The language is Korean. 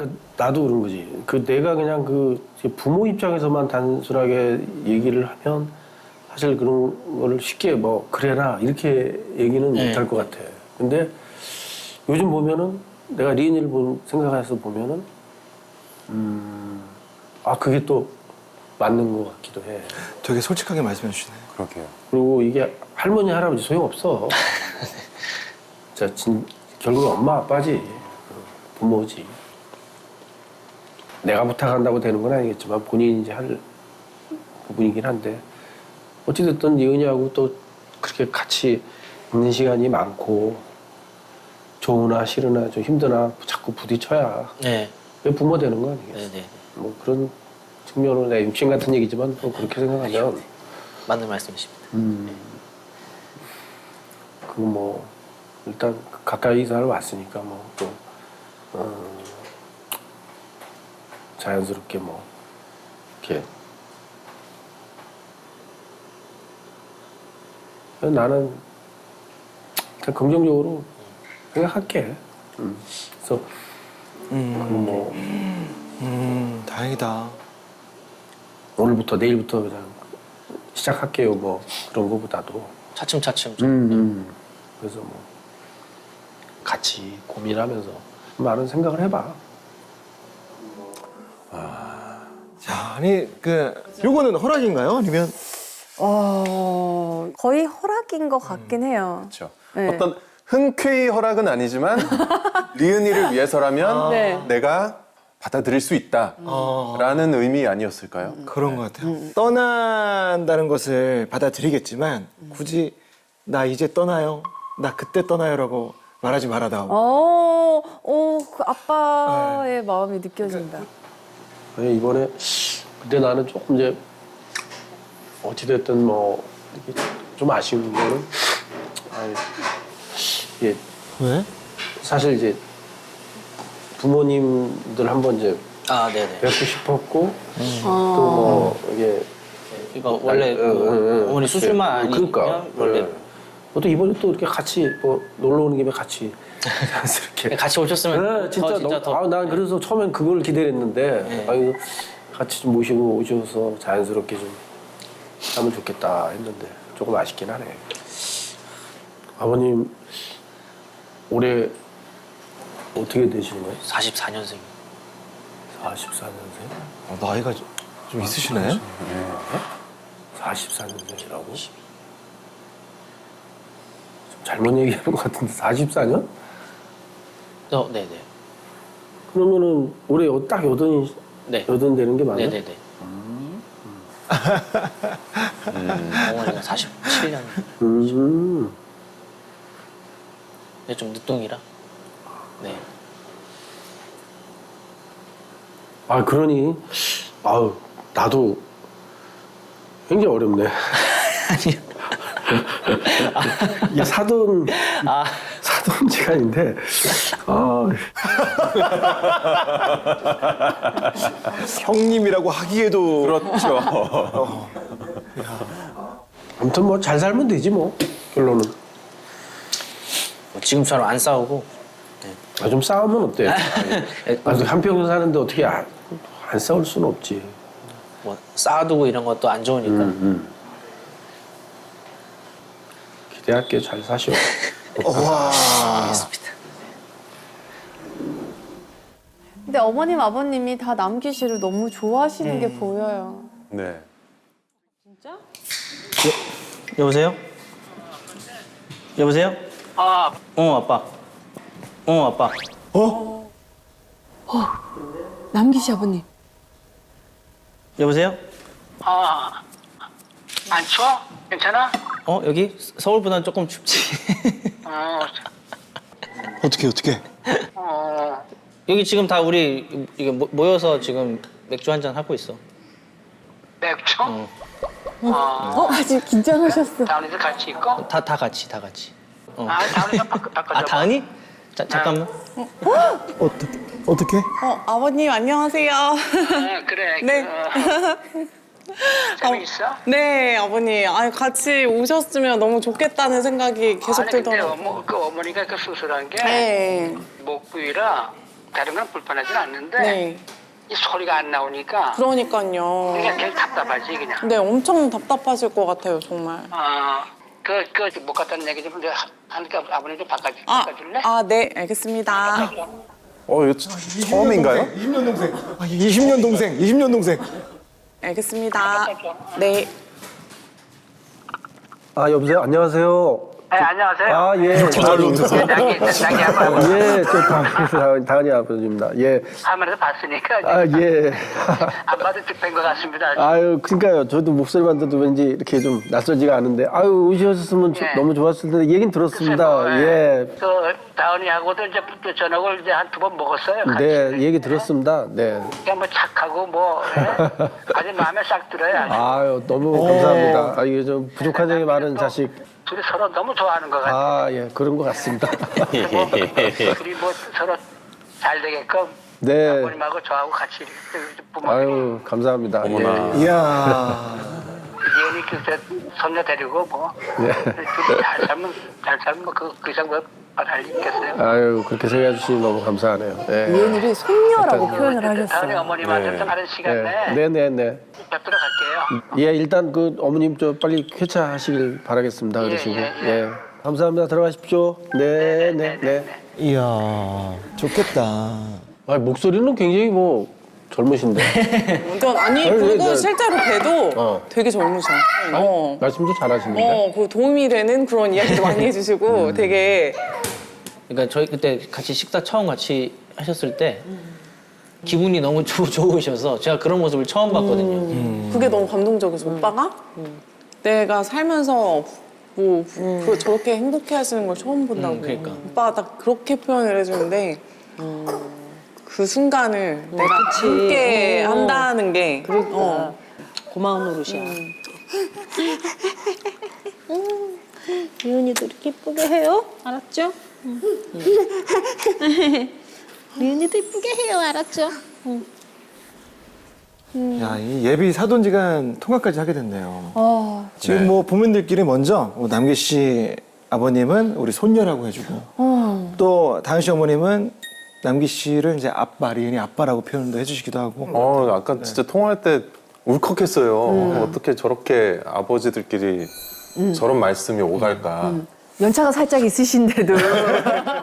나도 그런 거지. 내가 그냥 부모 입장에서만 단순하게 얘기를 하면 사실 그런 거를 쉽게 뭐 그래라 이렇게 얘기는 못할 것 같아. 근데 요즘 보면은 내가 리은이를 생각해서 보면은 그게 또 맞는 것 같기도 해. 되게 솔직하게 말씀해 주시네요. 그러게요. 그리고 이게 할머니 할아버지 소용없어. 결국 엄마 아빠지. 부모지. 내가 부탁한다고 되는 건 아니겠지만 본인이 이제 할 부분이긴 한데 어찌됐든 예은이하고 또 그렇게 같이 있는 시간이 많고 좋으나 싫으나 좀 힘드나 자꾸 부딪혀야 네. 왜 부모 되는 거 아니겠어? 네네. 뭐 그런 측면으로 내가 육신 같은 얘기지만 또 그렇게 생각하면 맞는 말씀이십니다. 그거 뭐 일단 가까이 이사를 왔으니까 뭐 또 자연스럽게 뭐 이렇게 나는 일단 긍정적으로 생각할게. 그래서 뭐 다행이다. 오늘부터 내일부터 그냥 시작할게요. 뭐 그런 거보다도 차츰차츰. 그래서 뭐 같이 고민하면서 많은 생각을 해봐. 자, 아니 요거는 허락인가요? 아니면 거의 허락인 것 같긴 해요. 그렇죠. 네. 어떤 흔쾌히 허락은 아니지만 리은이를 위해서라면 네. 내가 받아들일 수 있다라는 의미 아니었을까요? 그런 것 같아요. 떠난다는 것을 받아들이겠지만 굳이 나 이제 떠나요, 나 그때 떠나요라고 말하지 말아다오. 그 아빠의 마음이 느껴진다. 이번에 근데 나는 조금 이제 어찌됐든 뭐 이렇게 좀 아쉬운 거는 이게 왜? 사실 이제 부모님들 한번 이제 아, 네네. 뵙고 싶었고 또 뭐 이게 이거 원래 어머니 수술만 아니면 그러니까 원래 또 이번에 또 이렇게 같이 뭐 놀러 오는 김에 같이 자연스럽게 같이 오셨으면 네, 진짜, 진짜 더 난 그래서 처음엔 그걸 기대했는데 네. 같이 좀 모시고 오셔서 자연스럽게 좀 하면 좋겠다 했는데 조금 아쉽긴 하네. 아버님 올해 어떻게 되시는 거예요? 44년생. 44년생? 나이가 좀 있으시네. 44년생이라고? 좀 잘못 얘기하는 것 같은데 44년? 네네. 그러면은 올해 딱 네. 여든 되는 게 맞나? 네네네. 어머니가 47년. 근데 좀 늦둥이라. 네. 그러니 나도 굉장히 어렵네. 아니요. 이게 사돈 시간인데 형님이라고 하기에도 그렇죠. 아무튼 뭐 잘 살면 되지 뭐 결론은. 뭐 지금처럼 안 싸우고. 좀 싸우면 어때? 한평생 사는데 어떻게 안 싸울 수는 없지. 뭐 쌓아두고 이런 것도 안 좋으니까. 기대할게. 잘 사시오. 알겠습니다. 근데 어머님, 아버님이 다 남기 씨를 너무 좋아하시는 게 보여요. 네. 진짜? 여보세요? 여보세요? 아빠. 아빠. 남기 씨 아버님. 여보세요? 안 추워? 괜찮아? 여기 서울보다는 조금 춥지. 어떻게? 여기 지금 다 우리 이게 모여서 지금 맥주 한잔 하고 있어. 맥주? 아직 긴장하셨어. 다은이도 같이 있고? 다 같이. 다은이가 바꿔줘. 다은이? 잠깐만. 어떻게? 아버님 안녕하세요. 그래. 네. 재미있어? 네, 아버님. 같이 오셨으면 너무 좋겠다는 생각이 계속 아니 근데 들더라고요. 어머니가 그 수술한 게 네. 목 부위라 다른 건 불편하진 않는데 네. 이 소리가 안 나오니까 그러니까요. 그냥 괜히 답답하지 그냥. 네, 엄청 답답하실 것 같아요, 정말. 못 갔다는 얘기 좀 하니까 아버님 좀 바꿔줄래? 네, 알겠습니다. 이거 처음인가요? 20년 동생. 20년 동생. 20년 동생. 알겠습니다. 네. 아 여보세요. 안녕하세요. 네, 안녕하세요. 아 예. 자기 아버지. 예, 저 당연히 아버지입니다. 예. 화면에서 봤으니까 아 예. 안 봐도 뺀 것 같습니다. 아유, 그러니까요. 저도 목소리만 들어도 왠지 이렇게 좀 낯설지가 않은데, 아유, 오셨으면 예. 너무 좋았을 텐데, 얘긴 들었습니다. 글쎄, 예. 그 다은이하고도 이제 저녁을 이제 한 두 번 먹었어요. 같이. 네, 얘기 들었습니다. 네. 그냥 뭐 착하고 뭐 아주 마음에 싹 들어요. 아주. 아유, 너무 감사합니다. 아, 이게 좀 부족한 점이 많은 자식. 둘이 서로 너무 좋아하는 것 같아요. 아, 예, 그런 것 같습니다. 둘이 뭐 서로 잘 되게끔 네. 아버님하고 저하고 같이 부모님이 아유, 감사합니다. 어머나. 예. 이야. 이현이 그때 손녀 데리고 뭐 네. 둘이 잘 살면 그 이상 뭐할 있겠어요. 아유, 그렇게 생각해 주시니 너무 감사하네요. 예. 이은이를 손녀라고 표현을 다은이 하셨어요. 어머님한테 좀 다른 시간에 네네네. 뵙도록 할게요. 예, 일단 그 어머님 저 빨리 쾌차하시길 바라겠습니다. 그러시고. 예. 예. 감사합니다. 들어가십시오. 네, 네, 네. 이야. 좋겠다. 아, 목소리는 굉장히 뭐 젊으신데. 완전 아니 아니, 그리고 네. 실제로 봬도 어. 되게 젊으셔. 말씀도 잘하시는데. 그 도움이 되는 그런 이야기도 많이 해주시고 되게 그러니까 저희 그때 같이 식사 처음 같이 하셨을 때 기분이 너무 좋으셔서 제가 그런 모습을 처음 봤거든요. 그게 너무 감동적이죠. 오빠가 내가 살면서 저렇게 행복해 하시는 걸 처음 본다고. 그러니까. 오빠가 딱 그렇게 표현을 해주는데 그 순간을 내가 함께 한다는 게 고마운 노릇이야. 리은이도 이렇게 예쁘게 해요. 알았죠? 리은이도 예쁘게 해요. 알았죠? 야, 이 예비 사돈지간 통화까지 하게 됐네요. 아, 지금 네. 뭐 부모님들끼리 먼저 남기 씨 아버님은 우리 손녀라고 해주고 또 다은 씨 어머님은 남기 씨를 이제 아빠, 리은이 아빠라고 표현도 해주시기도 하고. 아까 진짜 통화할 때 울컥했어요. 어떻게 저렇게 아버지들끼리 저런 말씀이 오갈까. 연차가 살짝 있으신데도